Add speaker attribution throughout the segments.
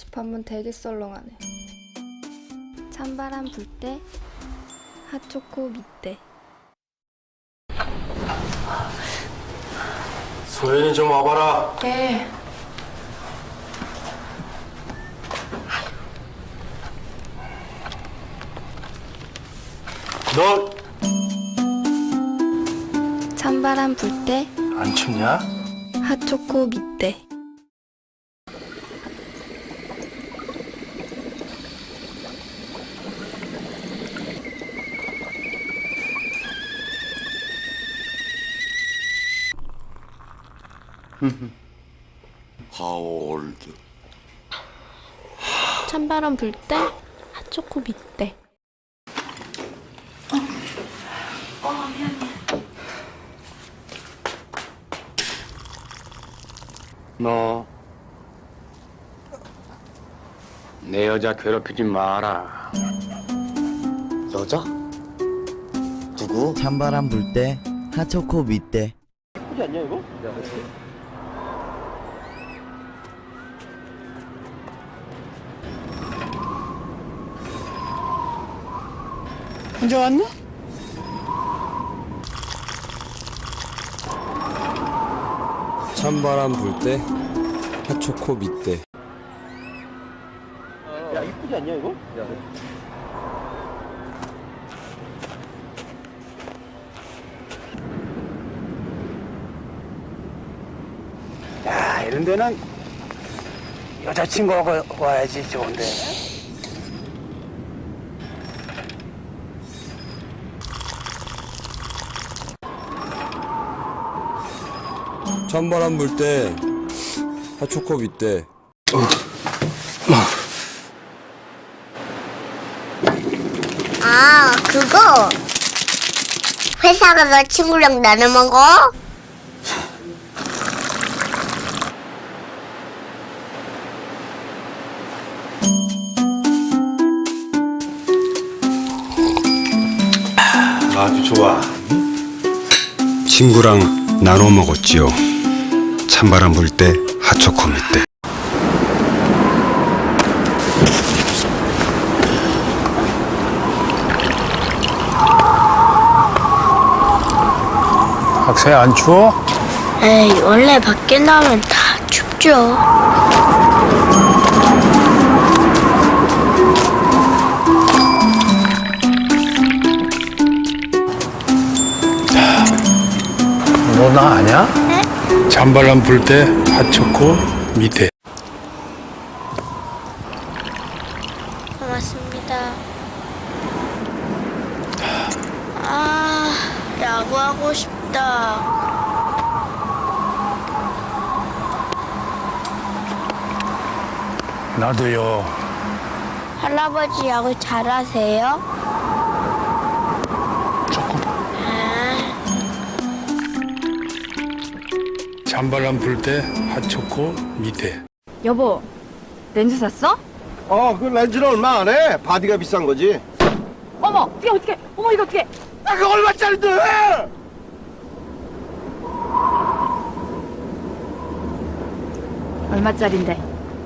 Speaker 1: 반문 되게 썰렁하네. 찬바람 불 때 핫초코 밑대.
Speaker 2: 소연이 좀 와봐라.
Speaker 1: 네.
Speaker 2: 너
Speaker 1: 찬바람 불 때
Speaker 2: 안 춥냐?
Speaker 1: 핫초코 밑대.
Speaker 3: How old?
Speaker 1: 찬바람 불 때 핫초코 밑대.
Speaker 4: 너 내 여자 괴롭히지 마라.
Speaker 3: 여자? 누구?
Speaker 5: 찬바람 불 때 핫초코 밑대.
Speaker 4: 예쁘지 않냐 이거? 혼자 왔나?
Speaker 6: 찬바람 불 때 핫초코 밑대.
Speaker 4: 야 이쁘지 않냐 이거? 야 이런 데는 여자친구하고 와야지 좋은데.
Speaker 6: 찬바람 불 때 핫초코 밑대.
Speaker 7: 아, 그거? 회사 가서 친구랑 나눠 먹어?
Speaker 2: 아주 좋아.
Speaker 8: 친구랑 나눠 먹었지요. 찬바람 불 때 핫초코 밑대.
Speaker 4: 학생 안 추워?
Speaker 7: 에이, 원래 밖에 나면 다 춥죠.
Speaker 4: 너 나 아냐? 찬바람 불 때 핫초코 밑에.
Speaker 7: 고맙습니다. 아, 야구하고 싶다.
Speaker 4: 나도요.
Speaker 7: 할아버지 야구 잘하세요?
Speaker 4: 조금. 찬바람 불 때 핫초코 밑에.
Speaker 9: 여보, 렌즈 샀어?
Speaker 2: 그 렌즈는 얼마 안 해? 바디가 비싼 거지.
Speaker 9: 어머, 어떻게? 어머, 이거 어떻게?
Speaker 2: 그 얼마짜린데?
Speaker 9: 얼마짜린데?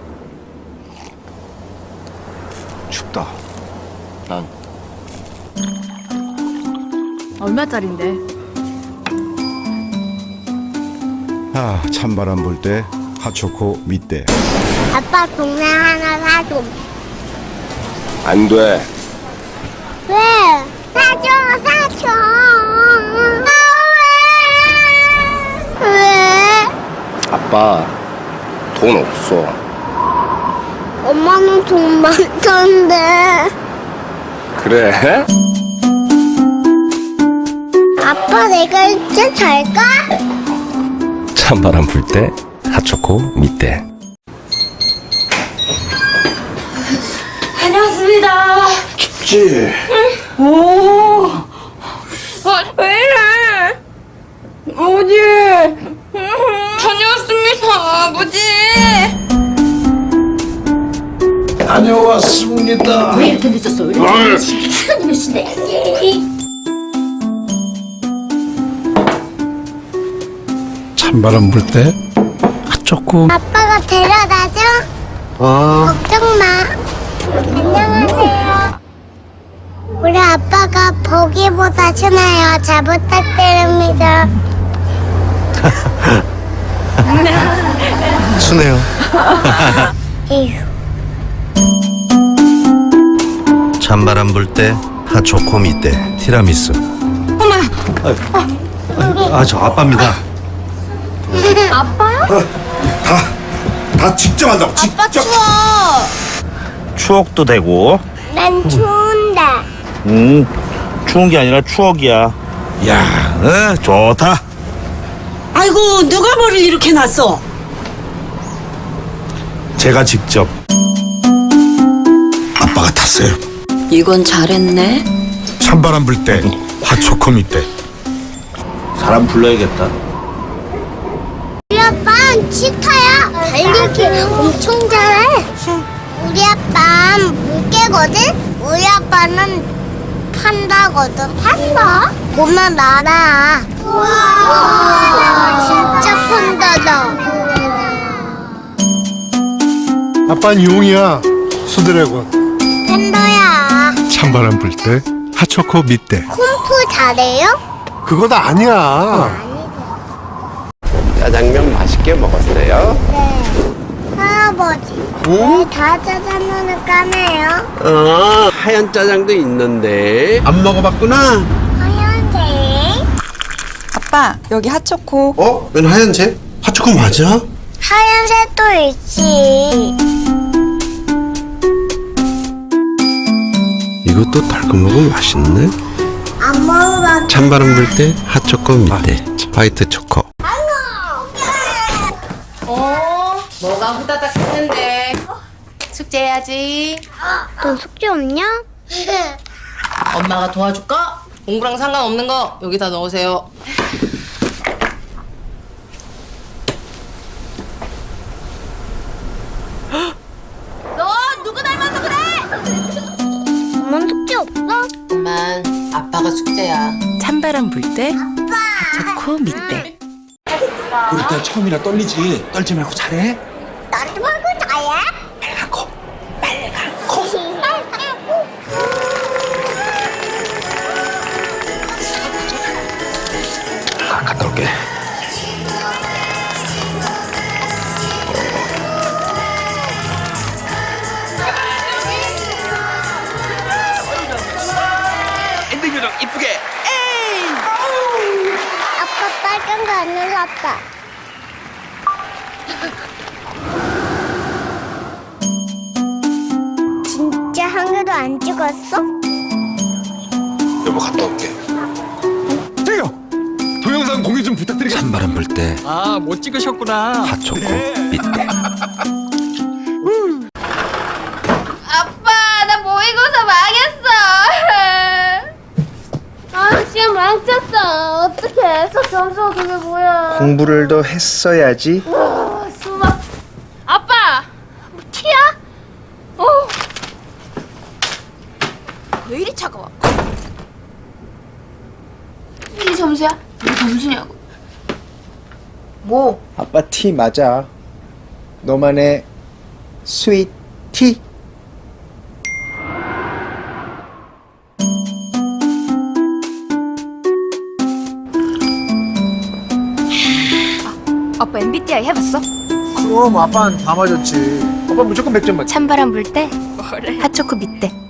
Speaker 2: 춥다. 난
Speaker 9: 얼마짜린데?
Speaker 8: 아, 찬바람 불 때 핫초코 밑대.
Speaker 7: 아빠 동생 하나 사줘.
Speaker 2: 안 돼.
Speaker 7: 왜? 사줘. 아, 왜?
Speaker 2: 아빠 돈 없어.
Speaker 7: 엄마는 돈 많던데.
Speaker 2: 그래?
Speaker 7: 아빠 내가 이제 잘까?
Speaker 8: 찬바람 불 때 핫초코 밑대.
Speaker 9: 다녀왔습니다.
Speaker 2: 춥지?
Speaker 9: 오, 왜 이래? 아버지, 다녀왔습니다, 아버지.
Speaker 2: 다녀왔습니다.
Speaker 9: 왜 이렇게 늦었어? 왜 이렇게 시간이 몇 시인데?
Speaker 4: 찬바람 불 때 핫초코.
Speaker 7: 아빠가 데려다줘? 걱정 평소보다 친해요. 잘 부탁드립니다.
Speaker 3: 순해요.
Speaker 7: 에휴.
Speaker 8: 찬바람 불 때 핫초코 밑대 티라미수. 저 아빠입니다.
Speaker 2: 다 직접 한다고
Speaker 9: 아빠 추워.
Speaker 10: 추억도 되고.
Speaker 7: 난 추운데.
Speaker 10: 추운 게 아니라 추억이야. 야, 좋다.
Speaker 9: 아이고 누가 머리를 이렇게 놨어?
Speaker 8: 제가 직접. 아빠가 탔어요.
Speaker 9: 이건 잘했네.
Speaker 8: 찬바람 불 때 핫초코 밑대.
Speaker 10: 사람 불러야겠다.
Speaker 7: 우리 아빠는 치타야. 달리기 엄청 잘해. 우리 아빠는 물개거든. 우리 아빠는 판다거든. 판다? 보면 알아. 우와, 진짜 판다다.
Speaker 2: 아빠는 용이야. 수드래곤.
Speaker 7: 팬더야.
Speaker 8: 찬바람 불 때 핫초코 밑대.
Speaker 7: 쿵푸 잘해요?
Speaker 2: 그거 다 아니야.
Speaker 3: 짜장면 맛있게 먹었어요.
Speaker 7: 네. 할아버지. 왜 다 짜장면을 까매요?
Speaker 3: 하얀 짜장도 있는데 안 먹어봤구나.
Speaker 7: 하얀색.
Speaker 1: 아빠, 여기 핫초코.
Speaker 2: 어? 웬 하얀색? 핫초코 맞아?
Speaker 7: 하얀색도 있지.
Speaker 8: 이것도 달콤하고 맛있네.
Speaker 7: 안 먹어봤어.
Speaker 8: 찬바람 불 때 핫초코 밑대 화이트 초코.
Speaker 9: 뭐가 후다닥 했는데. 숙제해야지.
Speaker 7: 너 숙제 없냐?
Speaker 9: 엄마가 도와줄까? 공부랑 상관없는 거 여기다 넣으세요. 너 누구 닮아서 그래?
Speaker 7: 엄마는 숙제 없어?
Speaker 9: 엄만 아빠가 숙제야.
Speaker 1: 찬바람 불 때 핫초코 밑대.
Speaker 6: 우리 딸 처음이라 떨리지. 떨지 말고 잘해.
Speaker 7: 나도 말고 나야?
Speaker 8: 갔다 올게.
Speaker 7: 아빠 빨간 거 안 눌렀다. 진짜 한 개도 안 찍었어?
Speaker 2: 여보 갔다 올게. 저기요. 동영상 공유 좀 부탁드리겠습니다.
Speaker 8: 찬바람 불 때
Speaker 6: 못 찍으셨구나.
Speaker 8: 핫초코 밑대.
Speaker 9: 아빠 나 모의고사 망했어. 시험 망쳤어. 어떡해. 수업 점수가 그게 뭐야.
Speaker 3: 공부를 더 했어야지.
Speaker 9: 수박. 아빠 뭐 티야? 왜 이리 차가워? 이게 점수야? 이게 점수냐고. 뭐?
Speaker 3: 아빠 티 맞아. 너만의 스윗 티.
Speaker 1: 아빠 MBTI 해봤어?
Speaker 3: 그럼 아빠는 다 맞았지. 아빠 무조건 100점 맞지.
Speaker 1: 찬바람 불 때 핫초코 밑대.